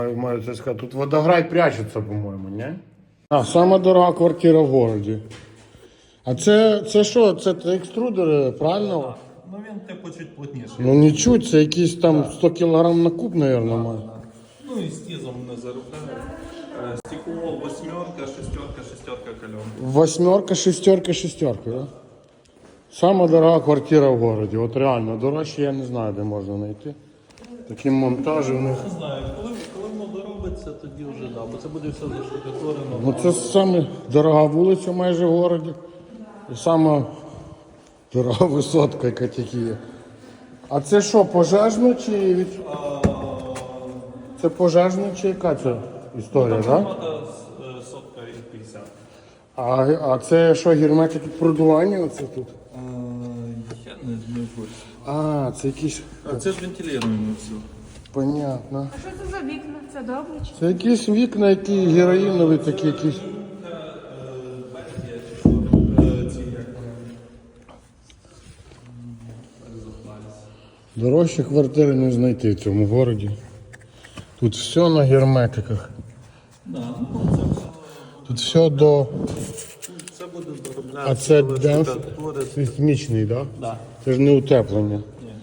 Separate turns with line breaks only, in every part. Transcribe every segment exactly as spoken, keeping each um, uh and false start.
Маю це сказати, тут водограй прячеться, по-моєму, не? А, сама дорога квартира в городі. А це, це що? Це екструдери, правильно?
Ну він типу чуть плотніший.
Ну не чуть, це якісь там сто кілограм на куб, мабуть, має.
Ну і з тізом не заробляє. Стекло восьмерка, шестерка, шестерка кальон.
Восьмерка, шестерка, шестерка, да? Сама дорога квартира в городі. От реально, дорожче я не знаю, де можна знайти. Такі монтажі в них.
Не знаю, коли, коли воно доробиться, тоді вже да, бо це буде все заштукатурено.
Ну це саме дорога вулиця майже в городі. І сама дорога висотка, яка тільки є. А це що, пожежно чи від... Це пожежно чи яка це історія, так?
Там да? Сотка і п'ятдесят.
А, а це що, герметики продування оце тут?
Я не знаю.
А, це якісь...
А це ж вентилюємо все.
Понятно.
А що це за вікна? Це добре чи?
Це якісь вікна, які героїнові такі якісь. Дорожчі квартири не знайти в цьому городі. Тут все на герметиках.
Да, ну, це,
Тут все до...
це буде доробляти.
А це демпф сейсмічний, так?
Да. Да.
Це ж не утеплення.
Ні.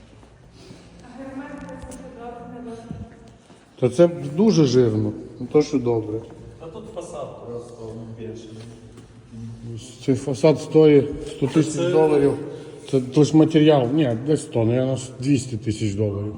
То це дуже жирно, не то що добре.
А тут фасад просто більший.
Цей фасад стоїть сто тисяч доларів. Це лише матеріал. Ні, десь сто, мабуть, двісті тисяч доларів.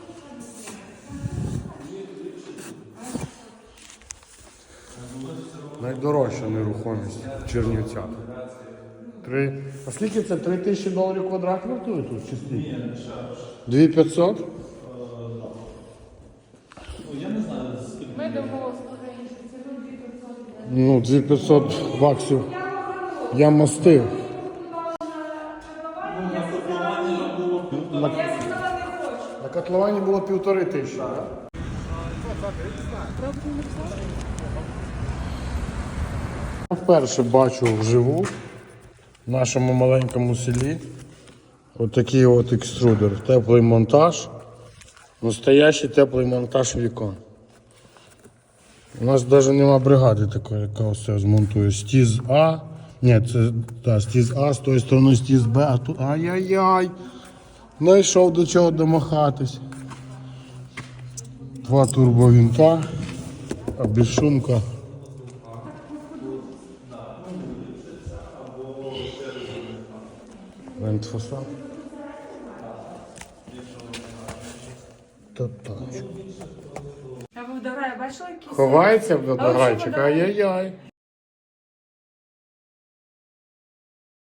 Найдорожча нерухомість в Чернівцях. Три. А скільки це? Три тисячі доларів квадрат вартує тут? Чи скільки?
Ні, не ще.
Дві п'ятсот?
Ну, я не знаю, скільки.
Ми домовилися раніше. Це дві п'ятсот.
Ну, дві п'ятсот баксів. Я мастив. На, на котловані було півтори тисячі, так? Я вперше бачу вживу в нашому маленькому селі отакий от екструдер. Теплий монтаж. Настоящий теплий монтаж вікон. У нас навіть нема бригади такої, яка все змонтує. Стіз А. Ні, це та, стіз А, з тої сторони стіз Б, а тут ай-яй-яй. Знайшов до чого домахатись. Два турбовінта, а безшумка. Вентфасад. Та тачка.
А ви вдограє бачили якісь?
Ховається в
А ви що
водограйчик,
вдограє?
ай-яй-яй.